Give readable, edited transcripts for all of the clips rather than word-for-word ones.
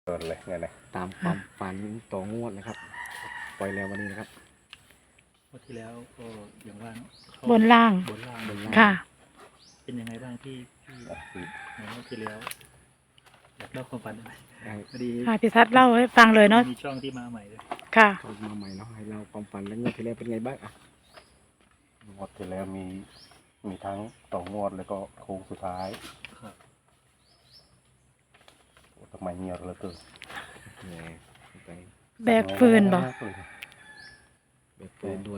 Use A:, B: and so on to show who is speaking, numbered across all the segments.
A: โดนเลยเนี่ยนะ
B: ตามความฝันต่องวดนะครับปล่อยแล้ววันนี้นะครับ
C: วันที่แล้วก็อย่างว่าเนอะเข้า
D: บนล่าง
C: บนล่าง
D: ค่ะ
C: เป็นยังไงบ้างที่ในวันที่แล้วอยากเล่าความฝันหน่อย
B: ได้
C: พอดี
D: ค่ะพี่ทัศน์เล่าให้ฟังเลยเนาะ
C: มีช่องที่มาใหม่เลย
D: ค่ะ
B: เข้ามาใหม่เนาะให้เราความฝันแล้วงวดที่แล้วเป็นไงบ้างอ่ะ
A: งวดที่แล้วมีทั้งต่องวดแล้วก็โค้งสุดท้าย
C: ครับ
A: โอ้ทำไมเงียบเหลือเกิน
B: แหมไป
D: แบกฟืนบ่
B: เบิกปืนด้วย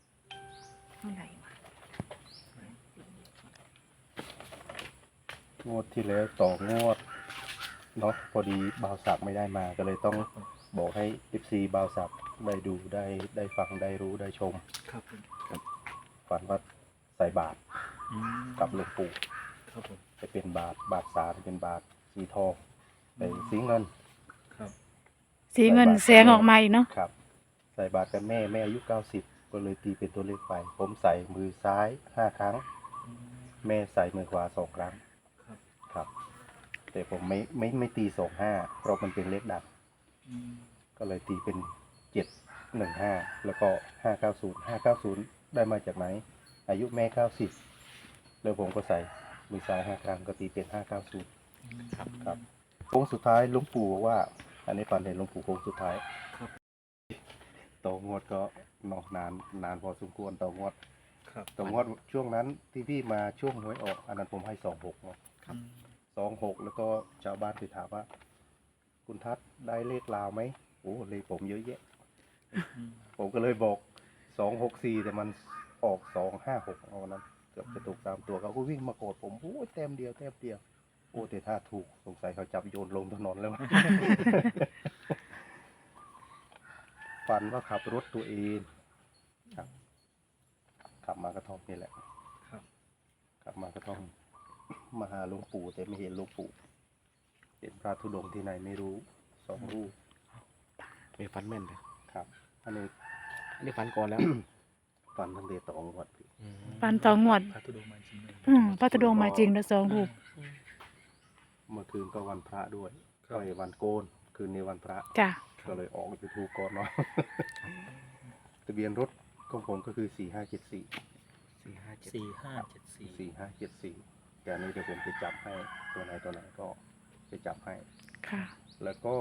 A: งวดที่แล้วต่องวดเนาะพอดีบ่าวสักไม่ได้มาก็เลยต้องบอกให้ FC บ่าวสักได้ดูได้ฟังได้รู้ได้ชม
C: ครับผม
A: ฝันว่าใส่บาตร
C: อืม
A: กับหลวงปู่
C: ครับผม
A: จะเป็นบาตรสาจะเป็นบาตรสีทองเป็นสีเงิน
C: ครับ
D: สีเงินแสงออกมาอีกเนาะ
A: ครับใส่บาตรกับแม่อายุ90ก็เลยตีเป็นตัวเลขไป ผมใส่มือซ้าย5 ครั้ง
C: อืม
A: แม่ใส่มือขวา2 ครั้ง
C: ครับ
A: ครับ แต่ผมไม่ตี25เพราะมันเป็นเลขดับ
C: อืม
A: ก็เลยตีเป็น715แล้วก็590ได้มาจากไหน อายุแม่90แล้วผมก็ใส่มือซ้าย5 ครั้งก็ตีเป็น590ครับโค้งสุดท้ายหลวงปู่บอกว่า อันนี้ฝันเห็นหลวงปู่โค้งสุดท้าย
C: ครับ
A: ต่องวดก็นานพอสมควรต่องวด
C: ครับ
A: ต่องวดช่วงนั้นที่พี่มาช่วงหวยออกอันนั้นผมให้26เนาะ
C: ครับ
A: 26แล้วก็ชาวบ้านไปถามว่า คุณทัศน์ได้เลขลาวไหมโอ้เลขผมเยอะแยะ
C: อืม
A: ผมก็เลยบอก264แต่มันออก256เอานั้นเกือบจะถูก3 ตัวเขาก็วิ่งมาโกรธผมโอ้ยแต้มเดียวโอ้แต่ถ้าถูกสงสัยเขาจับโยนลงถนนแล้ว ฝันว่าขับรถตัวเองครับขับมากระท่อมนี่แหละ
C: ครับ
A: ขับมากระท่อมมาหาหลวงปู่แต่ไม่เห็นหลวงปู่เห็นพระธุดงค์ที่ไหนไม่รู้2 รูป
B: มีฝันแม่นเลย
A: ครับ อันนี้
B: อันนี้ฝันก่อนแล้ว
A: ฝันตั้งแต่ต่องวดพี่
D: ปันต่องวด
C: พระธุดงค์มาจริงเลย
D: พระธุดงค์มาจริงแล้วสองรูป
A: เมื่อคืนก็วันพระด้วย
C: ครับ
A: ก็วันโกน คืนนี้วันพระ
D: จ้ะ
A: ก็เลยออกยูทูบก่อนเนาะ ทะเบียนรถของผมก็คือ4574
B: 4574
A: 4574แต่อันนี้เดี๋ยวผมจะจับให้ตัวไหนก็จะจับให้
D: ค่ะ
A: แล้วก็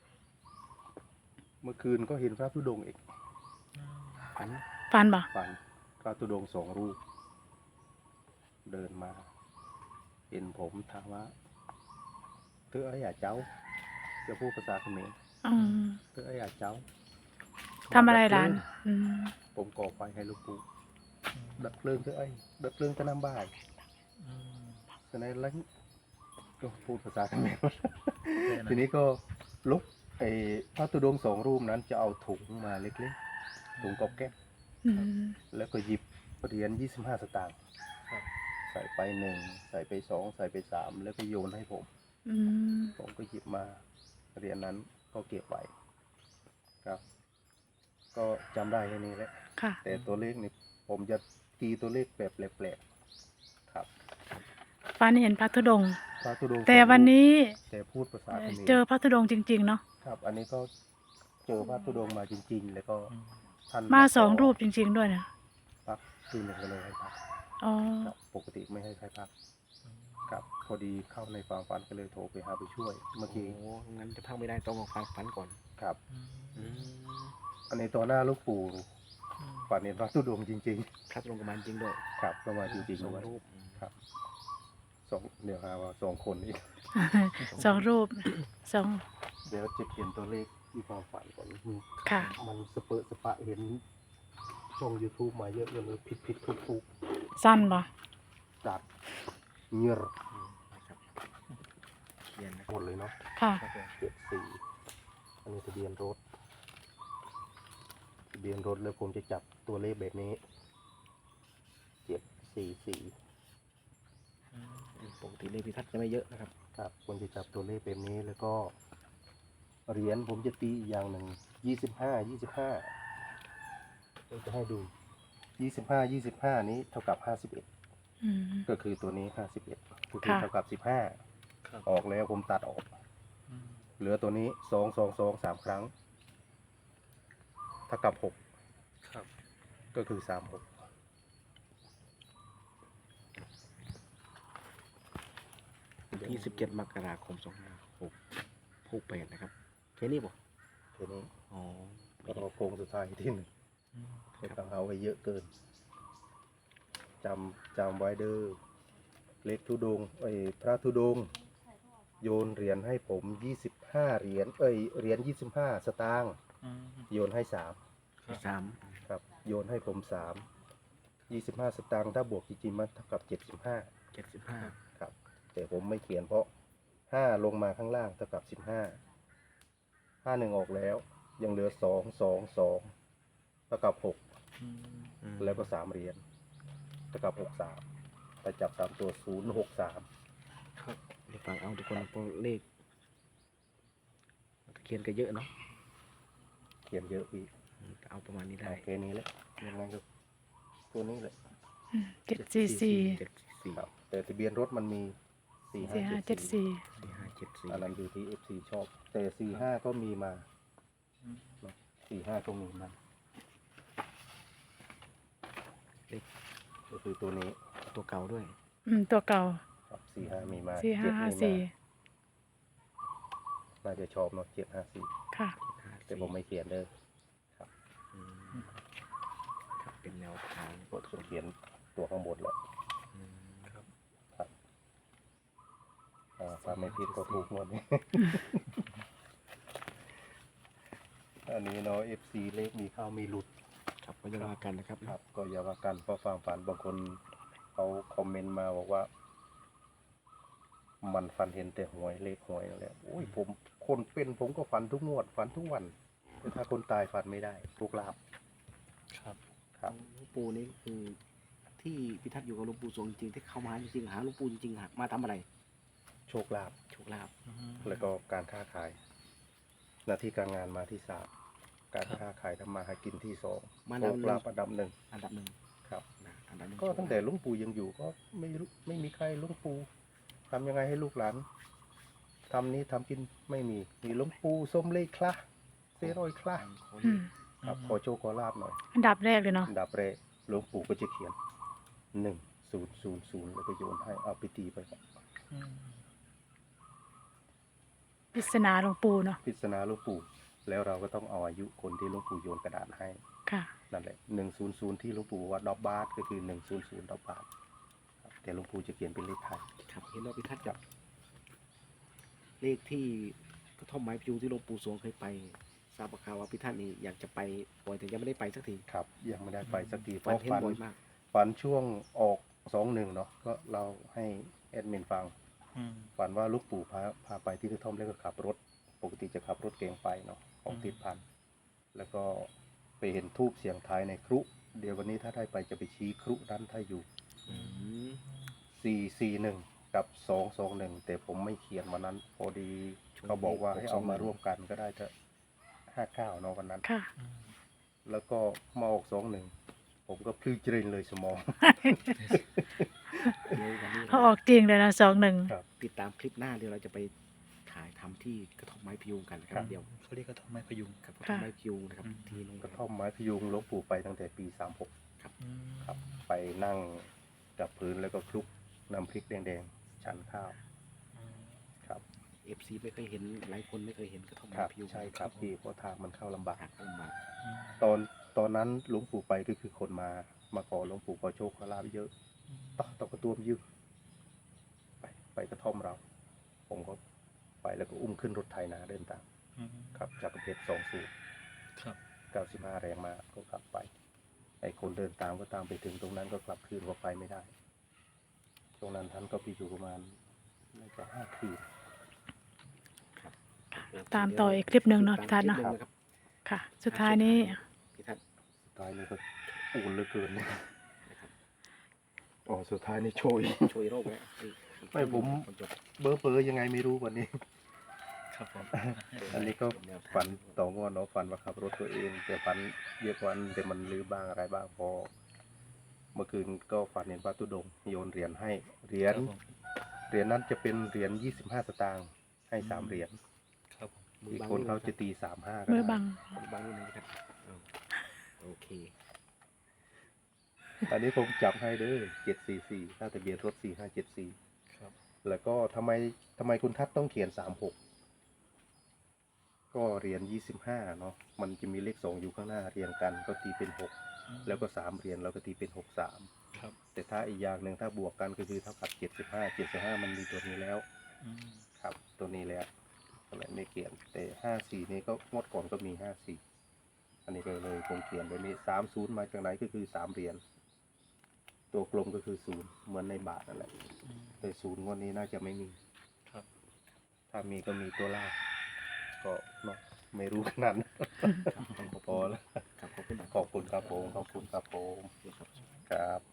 A: เมื่อคืนก็เห็นพระธุดงค์อีก
B: ฝัน
D: ปันบ่
A: ฝันพระธุดงค์2 รูป เดินมา เห็นผมถามว่าเธอไอ้อย่าเจ้าจะพูดภาษาเขมร
D: อืม
A: เธอไอ้อย่าเจ้า
D: ทำอะไรร้านอืม
A: ผมก่อไฟให้ลูกปู่ดับเพลิงเธอไอ้ดับเพลิงก็น้ำบ่าย
C: อืม
A: ฉะนั้นแล้วก็พูดภาษาเขมร
C: แค่นั้น
A: ทีนี้ก็ลุกไอ้พระธุดงค์2 รูปนั้นจะเอาถุงมาเล็กๆถุงกอบแก๊บ
D: อืม
A: แล้วก็หยิบเหรียญ25 สตางค์
C: ครับ
A: ใส่ไป1ใส่ไป2ใส่ไป3แล้วก็โยนให้ผม
D: อืม
A: ผมก็หยิบมาเหรียญนั้นก็เก็บไว้ครับ ก็จำได้แค่นี้แหละ
D: ค่ะ
A: แต่ตัวเลขนี่ผมจะตีตัวเลขแบบแปลกๆครับ
D: ปันเห็นพระธุดงค์
A: พระธุดงค์
D: แต่วันนี้
A: แต่พูดภาษาเขมร
D: เจอพระธุดงค์จริงๆเนาะ
A: ครับ อันนี้ก็เจอพระธุดงค์มาจริง ๆ แล้วก็
C: อืม
A: ท่าน
D: มาสอง
A: ข
D: รูปจริง ๆด้วยนะ
A: พักคืนหนึ่งก็เลยให้พัก
D: อ๋อ
A: ครับปกติไม่ให้ใครพักครับพอดีเข้าในความฝันก็เลยโทรไปหาไปช่วย เมื่อ
B: โอ้
A: กี้
B: งั้นจะพักไม่ได้ต้องมาฝันก่อน
A: ครับ
C: อืม
A: อันนี้ตัวหน้าลูกปู่
C: อืม
A: ฝันเห็นพระธุดงค์จริง
B: พระตรงกับมันจริงด้วย
A: ๆ ครับก็มาจริง
B: ส
A: ๆ
B: อง
A: ด้วย
B: รูป
A: ครับเดี๋ยวหาว่า2 คนอีก
D: สองรูปสอง
A: เดี๋ยวจะเขียนตัวเลขที่ความฝันก่อน
D: ค่ะ
A: มันสเปอะสปะเห็นช่อง YouTube มาเยอะเลยผิดถูก
D: สั้นบ่
A: จัดเงียบ
B: นะครับเขียนนะ
A: หมดเลยเนาะ
D: ค่ะ
C: ครับผม
A: 74อันนี้ทะเบียนรถแล้วผมจะจับตัวเลขแบบนี้744
C: อืม
B: ปกติเลขพิทัศน์จะไม่เยอะนะครับ
A: ครับผมจะจับตัวเลขแบบนี้แล้วก็เหรียญผมจะตีอีกอย่างหนึ่ง25ผมจะให้ดู25นี้เท่ากับ51
D: อืม
A: ก็คือตัวนี้51ก็คือ
D: ค่ะ
A: เท่ากับ15
C: ครับ
A: ออกแล้วผมตัดออก
C: อืม
A: เหลือตัวนี้สองสองสองสามครั้ง ถ้ากลับหก
C: ครับ
A: ก็คือ36
B: วันที่17 มกราคม 2568นะครับแค่นี้บ่
A: ทีนี้
B: อ๋อ
A: ก็รอโค้งสุดท้ายที่หนึ่ง
C: อืม
A: ไม่ต้องเอาไว้เยอะเกินจำไว้เด้อเล็กธุดงค์พระธุดงค์โยนเหรียญให้ผม25เหรียญเหรียญ25 สตางค์
C: อืม
A: โยนให้3
C: ครับ
B: 3
A: ครับโยนให้ผม25 สตางค์ถ้าบวกจริงๆมันเท่ากับ75
B: 75
A: ครับแต่ผมไม่เขียนเพราะ5ลงมาข้างล่างเท่ากับ15 51ออกแล้วยังเหลือ2 2 2เท่ากับ6
C: อืม
A: แล้วก็3เหรียญเท่ากับ63ไปจับ3ตัว063
C: ครับ
B: เดี๋ยวฟังเอาทุกคนเพราะเลขเขียนกันเยอะเนาะ
A: เขียนเยอะอีก
B: เอาประมาณนี้ได้
A: โอเคนี้แหละยังไงก็ตัวนี้แหละ
D: 744
B: 744
A: ครับแต่ทะเบียนรถมันมี4574
B: 4574
A: อันนั้นอยู่ที่ FC ชอบแต่45ก็มีมา
C: อืม
A: 45ก็มีมาก็คือตัวนี้
B: ตัวเก่าด้วย
D: ตัวเก่า
A: ครับ45มีมา
D: 4554
A: 7มีมาน่าจะชอบเนาะ754
D: ค่ะ
A: แต่ผมไม่เขียนเด้อ
B: อืมครับเป็นแนวทาง
A: กดเขียนตัวข้างบนแล้ว
B: อืม
C: ครับ
A: ครับถ้าไม่ผิดก็ถูกหมดนี่ อันนี้เนาะ FC เลขมีเข้ามีหลุด
B: ครับก็จะว่ากันนะครับ
A: ครับ ก็อย่าว่ากันเพราะฟังฝันบางคนเขาคอมเมนต์มาบอกว่า มันฝันเห็นแต่หวยเลขหวยนั่นแหละโอ้ยผมคนเป็นผมก็ฝันทุกงวดฝันทุกวันแต่ถ้าคนตายฝันไม่ได้ทุกลาบ
C: ครับ
A: ครับ
B: หลวงปู่นี่คือที่พิทักษ์อยู่กับหลวงปู่สวงจริงๆที่เข้ามาจริงๆหาหลวงปู่จริงๆหามาทำอะไร
A: โชคลาภ
B: โชคลาภ
C: อืม
A: แล้วก็การค้าขาย หน้าที่การงานมาที่3การค้าขายทำมาหากินที่2
B: มา
A: โช
B: ดับ
A: ค
B: หนึ่
A: ลาง ภอันดับหนึ่ง
B: อันดับหนึ่ง
A: ครับ
B: นะอันดับหนึ่ง
A: ก็ตั้งแต่หลุงปู่ยังอยู่ก็ไม่มีใครหลุงปู่ทำยังไงให้ลูกหลานทำนี้ทำกินไม่มีหลุงปู่ส้มเลขคละเซรอยคละ
B: ขอ
D: อื
B: เลข
D: ม
A: ครับขอโชคขอลาบหน่อย
D: อันดับแรกเลยเนาะ
A: อันดับแรกหลวงปู่ก็จะเขียน1000แล้วก็โยนให้เอาไปตีไป
C: อืม
D: ปริศนาหลวงปู่เนาะ
A: พิจารณาหลวงปู่แล้วเราก็ต้องเอาอายุคนที่หลวงปู่โยนกระดาษให้
D: ค่ะ
A: นั่นแหละ100ที่หลวงปู่ว่าดอกบาทก็คือ100ดอกบาทครับแต่หลวงปู่จะเขียนเป็นเลขไทย
B: ครับเห็นว่าพิทักษ์กับเลขที่กระท่อมไม้พิวที่หลวงปู่สวงเคยไปทราบข่าวว่าพิทักษ์นี่อยากจะไปบ่อยแต่ยังไม่ได้ไปสักที
A: ครับยังไม่ได้ไปสักทีเพ
B: ฝัน
A: ราะ
B: เห็นบ่อยมาก
A: ฝันช่วงออก21เนาะก็เราให้แอดมินฟัง
C: อืม
A: ฝันว่าหลูกปู่พาไปที่กระท่อมแล้วก็ขับรถ ปกติจะขับรถเก๋งไปเนาะของติดพันแล้วก็ไปเห็นทูบเสียงทายในครุเดี๋ยววันนี้ถ้าได้ไปจะไปชี้ครุนั้นถ้าอยู่
B: อืม
A: 441กับ221แต่ผมไม่เขียนวันนั้น พอดีเขาบอกว่าให้เอามาร่วมกันก็ได้เถอะ59เนาะวันนั้น
D: ค่ะ
C: อืม
A: แล้วก็มาออก21ผมก็พลื้เจริญเลยสมอง
B: เดี๋ยววันนี้
D: เขาออกจริงเลยนะ21
A: ครับ
B: ติดตามคลิปหน้าเดี๋ยวเราจะไปถ่ายทำที่กระท่อมไม้พิวกันนะค
A: ครั
B: รับบ เดี๋ยว
C: เขาเรียกกระท่อมไม้พยุง
B: กับกระท่อมไม้พิวนะครับ
C: อืม
B: ที่โรง
A: ก
B: แร
A: ระ
B: ม
A: ท่อมไม้พยุงหลวงปู่ไปตั้งแต่ปี36
C: อืม
A: ครับไปนั่งกับพื้นแล้วก็คลุกน้ำพริกแดงๆฉันข้าว
C: อืม
A: ครับ
B: FC ไม่เคยเห็นหลายคนไม่เคยเห็นกระท่อม
A: ค
B: ไม้
A: รับ
B: พิว
A: ใช่ครับพี่เพราะทางมันเข้าลำบาก
B: หักลำบาก
C: อืม
A: ตอนนั้นหลวงปู่ไปก็คือคนมาขอหลวงปู่ขอโชคขอลาบเยอะต่อกระตัวมยืมไปกระท่อมเรา ผมก็ไปแล้วก็อุ้มขึ้นรถไถนาเดินตาม
C: อืม
A: ครับจากประเทศ2 สูบ
C: ครับ
A: 95แรงมาก็กลับไปไอ้คนเดินตามก็ตามไปถึงตรงนั้นก็กลับคืนก็ไปไม่ได้ตรงนั้นท่านก็ไปอยู่ประมาณน่าจะ5 คืน
D: ตามต่ออีกคลิปหนึ่งเนาะ
B: ตาม
D: พิทัศน์เนาะ
B: คลิปหงครับ
D: ค่ะ สุดท้ายนี้
B: พิทัศน์
A: สุดท้ายนี่ก็อูนเหลือเกินเนี่ยอ๋อสุดท้ายนี่โชย
B: ช่วยโรคไว้
A: ไม่ผม
B: คนจบ
A: เบอร์ยังไงไม่รู้วันนี้
C: ครับผม
A: อันนี้ก็ฝันต่องอนเนาะฝันว่าขับรถตัวเอง แต่ฝันเยอะกว่านั้นแต่มันลืมบ้างอะไรบ้างพอ เมื่อคืนก็ฝันเห็นพระธุดงค์โยนเหรียญให้เหรียญ
C: ครับผม
A: เหรียญนั้นจะเป็นเหรียญ25 สตางค์ให้3 เหรียญ
C: ครับผม
A: อีกคนเขาจะตี35ก็
D: มือ
A: ได้
D: บัง
B: มือบังนิดนึงครับเอาโอเค
A: อันนี้ผมจับให้เด้อ744ถ้าทะเบียนรถ4574
C: ครับ
A: แล้วก็ทำไมคุณทัศน์ต้องเขียน36ก็เหรียญ25เนาะมันจะมีเลข2อยู่ข้างหน้าเรียงกันก็ตีเป็น6แล้วก็3เหรียญเราก็ตีเป็น63
C: ครับ
A: แต่ถ้าอีกอย่างหนึ่งถ้าบวกกันก็คือเท่ากับ75มันมีตัวนี้แล้ว
C: อืม
A: ครับตัวนี้แล้วก็เลยไม่เขียนแต่54นี้ก็งวดก่อนก็มี54อันนี้ก็เลยผมเขียนแบบนี้30มาจากไหนก็คือ3เหรียญตัวกลมก็คือ0เหมือนในบาทนั่นแหละ
C: อืม
A: แต่0งวดนี้น่าจะไม่มี
C: ครับ
A: ถ้ามีก็มีตัวล่างก็เนาะไม่รู้ขนาดนั้น
B: ครับขอบ
A: พอแล้ว
B: ครับขอบคุณ
A: ขอบคุณครับผมขอบคุณครับผม
B: ครับ
A: ครับ